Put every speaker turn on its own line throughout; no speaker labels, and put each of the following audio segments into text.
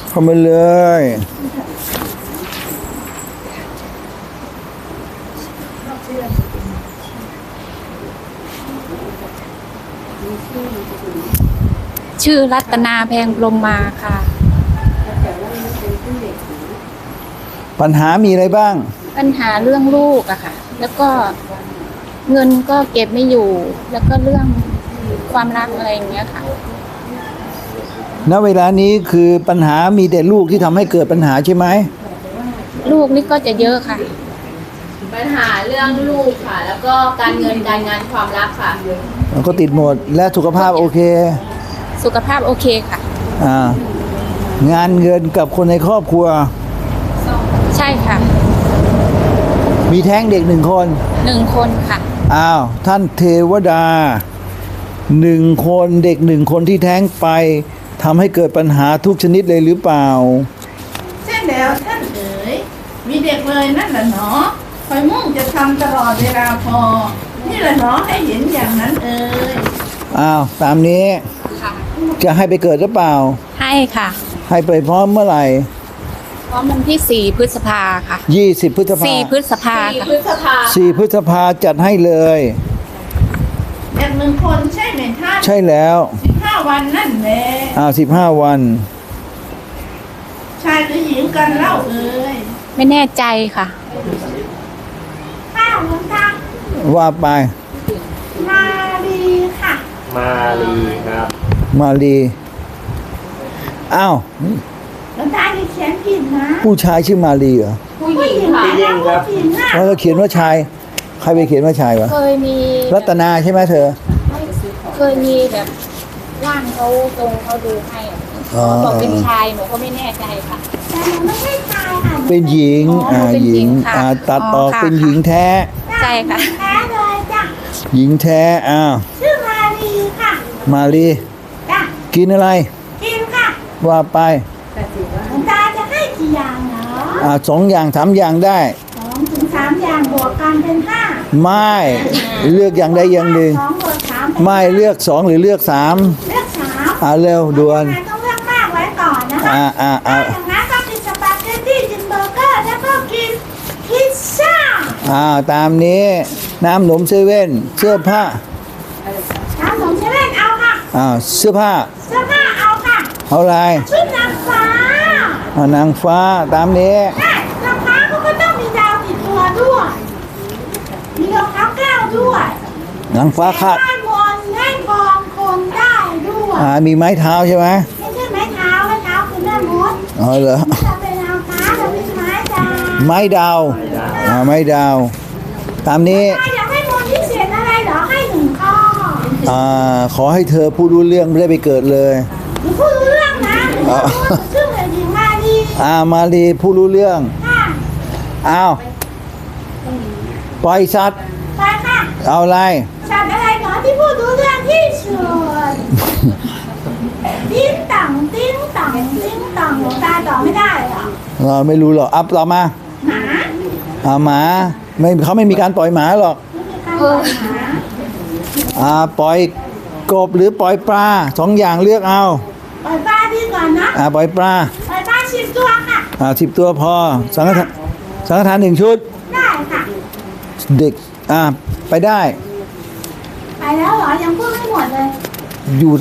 เข้ามาเลย
ชื่อรัตนาแพงพรหมมาค่ะ
ปัญหามีอะไรบ้าง
ปัญหาเรื่องลูกอะค่ะแล้วก็เงินก็เก็บไม่อยู่แล้วก็เรื่องความรักอะไรอย่างเงี้ยค่ะ
ณเวลานี้คือปัญหามีแต่ลูกที่ทำให้เกิดปัญหาใช่ไหม
ลูกนี่ก็จะเยอะค่ะ
ปัญหาเรื่องลูกค่ะแล้วก็การเงินการงานความรักค่ะ
แล้วก็ติดหมดและสุขภาพโอเค
สุขภาพโอเคค่ะ
งานเงินกับคนในครอบครัว
ใช่ค่ะ
มีแท้งเด็ก1 คน
1 คนค่ะ
ท่านเทวดา1 คนเด็ก1 คนที่แท้งไปทำให้เกิดปัญหาทุกชนิดเลยหรือเปล่า
ใช่แล้วท่านเอ๋ยมีเด็กเลยนั่นแหละเนาะคอยมุ่งจะทำตลอดเวลาพอนี่แหละเนาะให้เห็นอย่างนั้นเอ๋ย
ตามนี้จะให้ไปเกิดหรือเปล่า
ให้ค่ะ
ให้ไปพร้อมเมื่อไหร่
พร้อมวันที่4 พฤษภาค่ะ
20 พฤษภา
4 พฤษภาค่ะ
4 พฤษภาจัดให้เลย
เด็ก1 คนใช่ไหมท่าน
ใช่แล้ว
15 วันนั่นแหละ
15 วัน
ชายหรือหญิงกันเล่าเอ๋ย
ไม่แน่ใจค่ะ
หลวงตา
ว่าไป
มาลีค่ะ
มาลีครับ
มาลี
หลวงตาเขียนผิดนะ
ผู้ชายชื่อมาลีเหรอ
ผู้หญิงค่ะ
แล้วก็เขียนว่าชายใครไปเขียนว่าชายวะ
เคยมี
รัตนาใช่ไหมเธอ
เคยมีแบบร่างเขาตรงเขาดูให้บอกเป็นชายหนูก็ไม่แน่ใจค่ะ
แต่หนูไม่ใช่ชายค่ะ
เป็นหญิงหญิงตัดออกเป็นหญิงแท้
ใช่ค่ะ
แท้เลยจ้ะ
หญิงแท้
ชื่อมาลีค่ะ
มาลี
จ้ะ
กินอะไร
กินค่ะ
ว่าไป
หลวงตาจะให้กี่อย่างเนาะ
2 อย่าง 3 อย่างได้
2 ถึง 3 อย่างบวกกันเป็น5
ไม่เลือกอย่างใดอย่างหนึ่งไม่เลือก2หรือเลือก3
เลือก3
เร็วด่วน
ต้องเลือกมากไว้ก่อนนะคะอย่างนั้นก็กินสปาเกตตี้กินเบอร์เกอร์แล้วก็กินพิซซ่า
ตามนี้น้ำหนมเซเว่นเสื้อผ้า
น้ำหนมเซเว่นเอาค่ะ
เสื้อผ้า
เอาค่ะ
เอาอะไร
ชุดนางฟ้
านางฟ้าตามนี้
นางฟ้าเขาก็ต้องมีดาวติดตัวด้วยมีรองเท้าแก้วด้วย
นางฟ้าคาด
ให้มนให้กองคนได้ด้วย
มีไม้เท้าใช่ไหม
ไม่ใช่ไม้เท้าคือแม่มด
เหรอ
เราเป็นนางฟ้าเราเป็นไม้ดาว
ไม้ดาวไม้ดาวตามนี้
อยากให้มนพิเศษอะไรเหรอให้1 ข้อ
ขอให้เธอพูดรู้เรื่องไม่ได้ไปเกิดเลย
พูดรู้เรื่องนะชื่ออะไรหญิงมาลี
มาลีพูดรู้เรื่องปล่อยสัตว์
ไปค่ะ
เอาอะไร
สัตว์อะไรหนอที่พูดรู้เรื่องที่สุดติ้งต่องติ้งต่องติ้งต่องหลวงตาต่อไม่ได้หรอ
ไม่รู้หรอกต่อมาหมาไม่เขาไม่มีการปล่อยหมาหรอกปล่อยกบหรือปล่อยปลา2 อย่างเลือกเอา
ปล่อยปลาดีก่อนนะ
ปล่อยปลา
10 ตัวค่ะ
10 ตัวพอสังฆทาน1 ชุด
ได้ค่ะ
เด็กไปได้
ไปแล้วเหรอยังพูดไม่หมดเลย
อยู่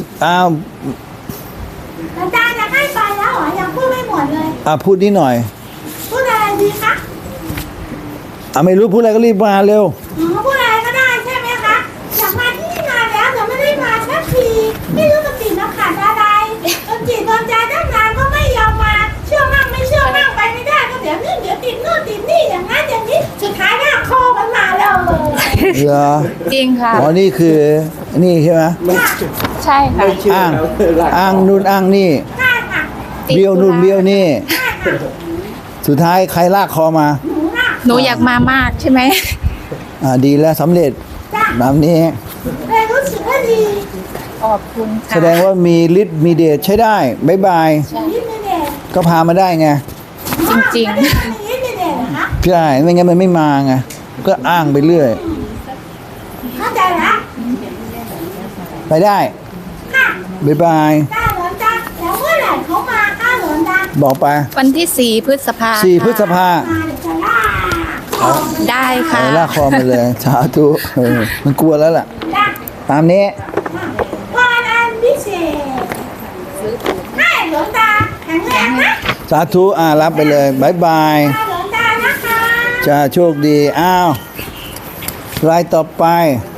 อาจารย์จะให้ไปแล้วเหรอยังพูดไม่หมดเลย
พูดนิดหน่อย
พูดอะไรดีคะ
ไม่รู้พูดอะไรก็รีบมาเร็ว
พูดอะไรก็ได้ใช่ไหมคะอยากมาที่นี่นานแล้วแต่ไม่ได้มาสักทีไม่รู้จะติดน้ำขาดอะไรจนจิตจนใจตั้งนานก็ไม่ยอมมาเชื่อมั่งไม่เชื่อมั่งไปไม่ได้ก็เดี๋ยวนี่เดี๋ยวติดนู่นติดนี่อย่างนั้นอย่างนี้สุดท้ายหน้าคอมันมาแล้ว
เหรอ
จริงค่ะ
นี่คือนี่ใช่ไหม
ใช่ค่ะ
อ้างนู่นอ้างนี่เบี้ยวนู่นเบี้ยวนี่สุดท้ายใครลากคอมา
หนูอยากมามากใช่ไหม
ดีแล้วสำเร็จแบบนี้
รู้สึกว่าดี
ขอบคุณค่ะ
แสดงว่ามีฤทธิ์มีเดชใช้ได้บ๊ายบายก็พามาได้ไง
จริง
ๆใช่ไม่งั้นมันไม่มาไงก็อ้างไปเรื่อย
เข้าใจแล้ว
ไปได้บ๊ายบาย
หลวงตาแล้วเมื่อไหร่เขามาหลวงตา
บอกไป
วันที่ 4 พฤษภา
4
ค่ะ
พฤษภา
มาเดี๋ยวจะล่า
ได้ค่ะ
ลากคอมาเลย สาธุมันกลัวแล้วล่ะ
ล่า
ตามนี้
พรอันพิเศษให้หลวงตาแข็งแรงนะ
สาธุรับไปเลยบายบาย
หลวงตานะคะ
จะโชคดี อ้าว รายต่อไป